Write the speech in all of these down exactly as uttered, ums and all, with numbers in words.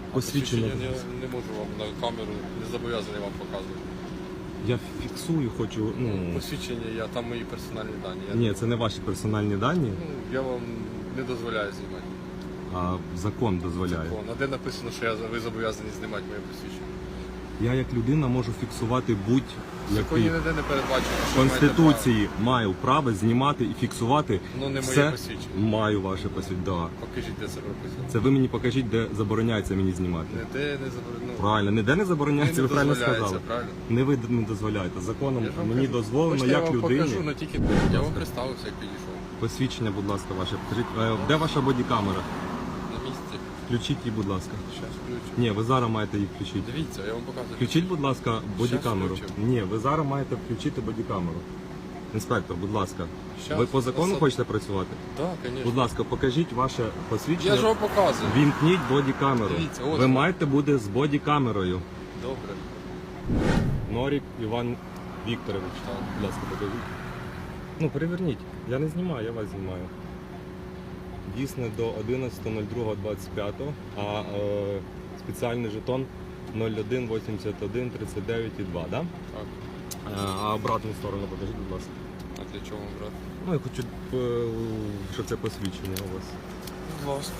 Посвідчення. Я не, не можу вам на камеру, не зобов'язаний вам показувати. Я фіксую, хочу, ну... Посвідчення, я, там мої персональні дані. Я, Ні, це не ваші персональні дані, ну, я вам не дозволяю знімати. а закон дозволяє. Закон. А де написано, що я, ви зобов'язані знімати моє посвідчення? Я як людина можу фіксувати В законі будь-який ніде не передбачено, в що ви маєте Конституції маю право знімати і фіксувати. право. Ну не моє все. посвідчення. Маю ваше посвідчення. Да. Покажіть, де це прописано. Це ви мені покажіть, де забороняється мені знімати. Ніде не заборонено. Правильно, ніде не забороняється, Не ви правильно дозволяється, сказали. правильно? Не ви не дозволяєте. Законом Я ж вам мені кажу. дозволено, Хочете, як я вам людині. покажу, але тільки я вам представився, як підійшов. Посвідчення, будь ласка, ваше. Покажіть, е, де ваша бодікамера? На місці. Включіть її, будь ласка. Щас включу. Ні, ви зараз маєте її включити. Дивіться, я вам показую. Включіть, будь ласка, бодікамеру. включу. Ні, ви зараз маєте включити бодікамеру. Інспектор, будь ласка. Щас. Ви по закону Особ- хочете працювати? Так, звісно. Будь ласка, покажіть ваше посвідчення. Я ж вам показую. Вімкніть бодікамеру. Дивіться, ось Ви воно. маєте бути з бодікамерою. Добре. Норік Іван Вікторович. Так. Будь ласка, покажіть. Ну, переверніть. Я не знімаю, я вас знімаю. Дійсне до одинадцятого другого двадцять п'ятого, а е, спеціальний жетон нуль один вісімдесят один тридцять дев'ять два, да? Так. Е, а обратну сторону покажіть, будь ласка. А для чого вам брати? Ну, я хочу, е, щоб це посвідчення у вас. Будь ласка.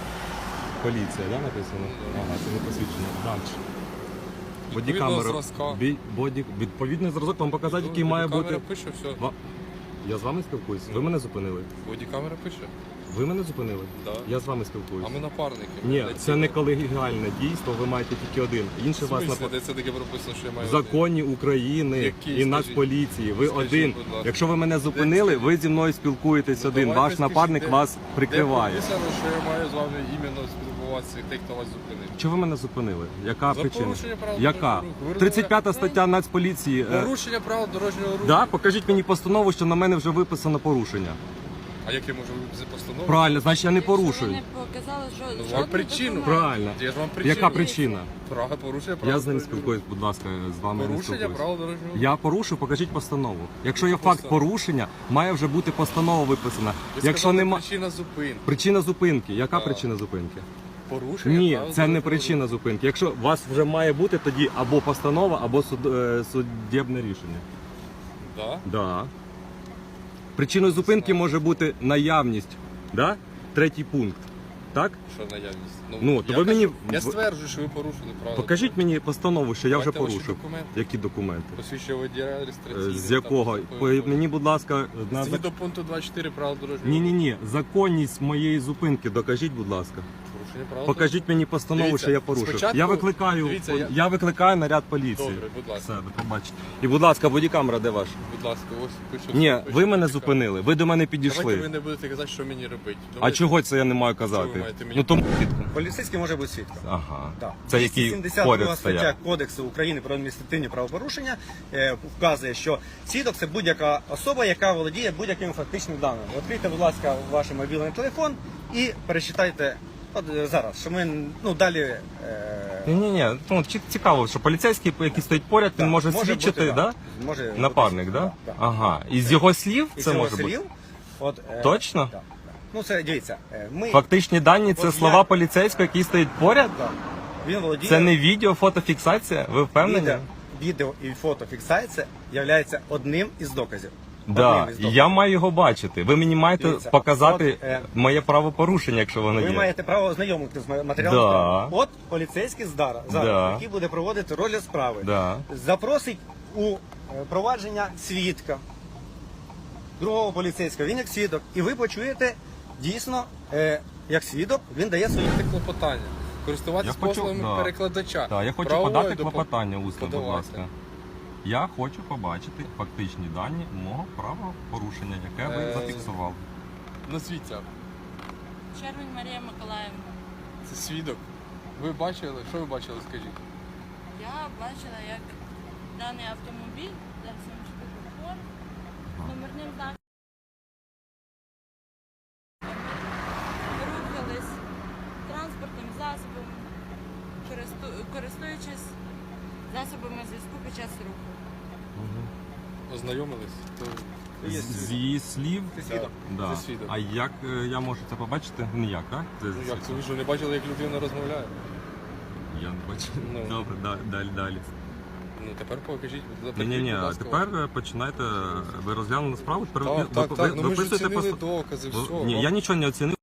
Поліція, да, написано? Да. Ага, це не посвідчення. Далі. Відповідного зразка. Бі- боді, відповідний зразок вам показати, який має бути. Бодікамера пише, все. Ва- Я з вами спілкуюся. Ви мене зупинили. Бодікамера пише. Ви мене зупинили? Да. Я з вами А спілкуюся. ми напарники. Ні, Для це цього. не колегіальне дійство, ви маєте тільки один. Інше В вас смислі, на де це таке прописано, що я маю в законі України Який, і скажіть? Нацполіції. Ви Скажіть, один. будь ласка. Якщо ви мене зупинили, ви зі мною спілкуєтесь Ну, один. давайте Ваш скажіть, напарник де- вас прикриває. Де прописано, що я маю з вами іменно спілкуватися, тих, хто вас зупинив. Чого ви мене зупинили? Яка За причина? порушення правил Яка? дорожнього руху. Ви тридцять п'ята розмовляєте? стаття Нацполіції. е, Порушення правил дорожнього руху. Да? Покажіть мені постанову, що на мене вже виписано порушення. А як я можу виписати постанову? Правильно, значить я не Якщо ви порушую. не показали жо- Ну, вам жодного причину. документу. Правильно. Я ж вам причину. Яка причина? Право порушення правил Я з ним дорожнього спілкуюсь, будь ласка, з вами руху. не Порушення спілкуюсь. правил дорожнього руху. Я порушив, покажіть постанову. Якщо є Яку факт постанову? порушення, має вже бути постанова виписана. Ви Якщо сказали, нема причина зупинки. причина зупинки, яка Так. причина зупинки? Порушення Ні, правил це не дорожнього причина зупинки. Якщо у вас вже має бути тоді або постанова, або суд, е, суддєбне рішення. руху. Да? Да. Причиною зупинки може бути наявність, да? Третій пункт. Так? Що наявність? Ну, то я ви мені кажу- Я в- стверджую, що ви порушили правила. Покажіть мені постанову, що я вже Давайте ваші порушив. документи. Які документи? Посвідчення водія Е, реєстраційний. З якого? По- Мені, будь ласка, на зак- Згідно пункту двадцять чотири правил дорожнього Ні, ні, руху. ні. Законність моєї зупинки докажіть, будь ласка. Порушення правил Покажіть мені постанову, Дивіться, що я порушив. спочатку- Я викликаю, дивіться, я... я- викликаю наряд поліції. Добре, будь ласка. Все, до побачення. І, будь ласка, бодікамера, де ваша? Будь ласка, ось пишу. Ні, пишу, ви мене пишу. зупинили. Ви до мене Давайте ви підійшли. не будете казати, що мені робити. А Давайте. чого це я не маю Що ви казати? маєте мені Ну тому Поліцейський може бути свідком. ага. Да. Це який двісті сімдесят друга поряд стаття стояв. Кодексу України про адміністративні правопорушення е, вказує, що свідок це будь-яка особа, яка володіє будь-якими фактичними даними. Відкрийте, будь ласка, ваш мобільний телефон і перечитайте от е, зараз, що ми ну далі. Е, Ні, ні, ні. Ну ці- цікаво, що поліцейський, який стоїть поряд, він да, може свідчити, бути, да? Може Напарник, бути, да? да. Ага. І з його слів Із це його може бути. слів, От, е, Точно? да, да. Ну це дивіться. е, Ми Фактичні дані це От слова я- поліцейського, який стоїть поряд? да, він володіє. Це не відео, фотофіксація? Ви впевнені? Відео, відео і фотофіксація є одним із доказів. Да, Одним із доказів. я маю його бачити. Ви мені маєте Дивіться, показати от, е, моє правопорушення, якщо воно Ви є. маєте право ознайомитися з матеріалом Да. справи. От поліцейський зараз, зараз Да. який буде проводити розгляд справи, Да. запросить у е, провадження свідка, другого поліцейського, він як свідок, і ви почуєте дійсно, е, як свідок, він дає свої. Це клопотання. Користуватися Я хочу- послугами да. перекладача. Так, я хочу Правової подати допомоги. клопотання усно, будь Подавайте. ласка. Я хочу побачити фактичні дані мого правопорушення, яке ви Е, зафіксували. Назвіться. Червень Марія Миколаївна. Це свідок. Ви бачили? Що ви бачили, скажіть? Я бачила, як даний автомобіль, зараз я вам скажу, фор, з номерним знаком. Рухались транспортним засобом, користу- користуючись засобами зв'язку під час руху. Ознайомились? То... Є З з свідок. її слів. Це свідок. Да. Це свідок. А як е, я можу це побачити? Ніяк, так? Це- Ну, як це ви що не бачили, як людина розмовляє? Я не бачу. Ну. Добре, да- далі, далі. Ну тепер покажіть, Ні, покажіть, ні, ні, будь а ласка, тепер е, починайте, ви розглянули справу, тепер Так, ви- так, ви- так, ну ми ж виписуєте оцінили пост- докази, ви- все. Ні, вам- я нічого не оцінив.